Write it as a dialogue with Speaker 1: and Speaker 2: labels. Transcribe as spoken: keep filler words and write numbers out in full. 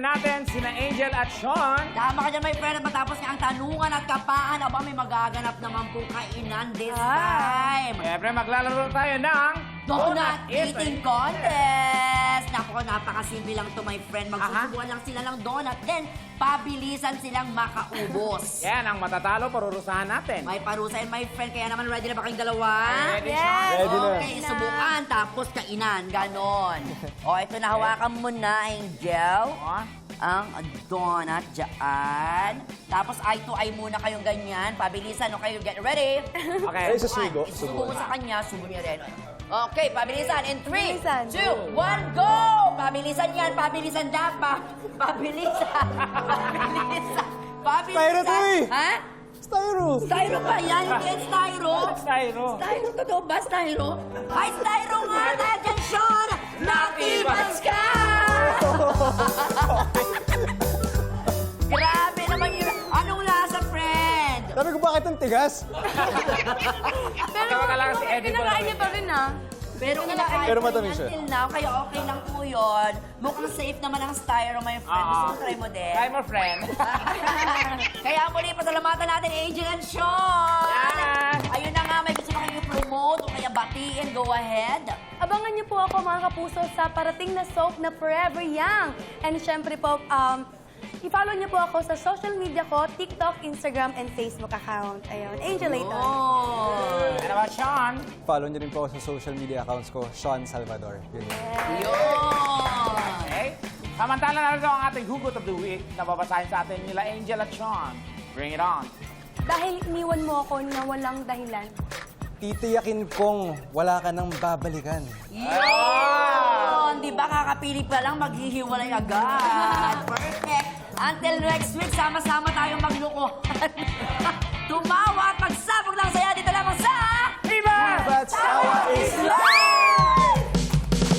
Speaker 1: natin sina Angel at Sean.
Speaker 2: Tama ka dyan, my friend. At matapos nga ang tanungan at kapaan, aba may magaganap naman pong kainan this time.
Speaker 1: Siyempre, maglalaro tayo ng
Speaker 2: Donut Eating Contest! Naku, napakasimple lang to, my friend. Magsusubuan lang sila ng donut, then pabilisan silang makaubos.
Speaker 1: Yan, ang matatalo, parurusahan natin.
Speaker 2: May parusa and my friend, kaya naman ready na ba kayong dalawa?
Speaker 1: Ready,
Speaker 3: Yes.
Speaker 1: Sean?
Speaker 4: Ready na.
Speaker 2: Okay, subukan, tapos kainan, ganon. O, ito na, hawakan mo na, Angel.
Speaker 1: Oh.
Speaker 2: Ang donut dyan. Tapos eye to eye muna kayong ganyan. Pabilisan, okay, get ready?
Speaker 1: Okay.
Speaker 4: Ay, susugo.
Speaker 2: Isusubo mo sa kanya, subo niya rin. Okay, pabilisan. In three,
Speaker 3: Pabilisan.
Speaker 2: two, one, go! Pabilisan yan, pabilisan dapat. Pabilisan. Pabilisan. Pabilisan.
Speaker 4: Styro to eh.
Speaker 2: Ha?
Speaker 4: Styro!
Speaker 2: Styro ba yan? Hindi yan styro.
Speaker 1: Styro.
Speaker 2: Styro, totoo ba styro? Ay, styro nga! Dahil dyan, Sean! Nakibas ka! Grabe naman yun. Anong lasa, friend?
Speaker 4: Sabi ko, bakit ang tigas?
Speaker 3: Pero
Speaker 1: Tawa ka lang si Eddie
Speaker 3: kinakain niya pa rin, ah.
Speaker 2: Pero kinakain
Speaker 4: Pero
Speaker 2: ko
Speaker 4: matamis
Speaker 2: yan
Speaker 4: siya.
Speaker 2: till now, kaya okay lang po yun. Mukhang safe naman ang styro, my friend. Gusto mo try mo din?
Speaker 1: Try mo, friend.
Speaker 2: Kaya muli, pasalamatan natin, Angel and Sean!
Speaker 1: Yan!
Speaker 2: Ayun na nga, may gusto ba kayo promote o kaya batiin? Go ahead.
Speaker 3: Abangan niyo po ako, mga kapuso, sa parating na soap na Forever Young. And syempre po, um, i-follow niyo po ako sa social media ko, TikTok, Instagram, and Facebook account. Ayun, Angel Layton.
Speaker 2: Oh!
Speaker 1: Ano ba, Sean?
Speaker 4: Follow niyo rin po ako sa social media accounts ko, Sean Salvador. Yun yun.
Speaker 2: Yun!
Speaker 1: Okay. Samantala na rin ang ating Hugot of the Week na babasahin sa atin nila Angel at Sean. Bring it on.
Speaker 3: Dahil iniwan mo ako na walang dahilan.
Speaker 4: Titiyakin kong wala ka nang babalikan.
Speaker 2: Yun! Di ba kakapili pa lang, maghihiwalay agad. Perfect! Until next week, sama-sama tayong magluko. Tumawa at magsabog ng saya dito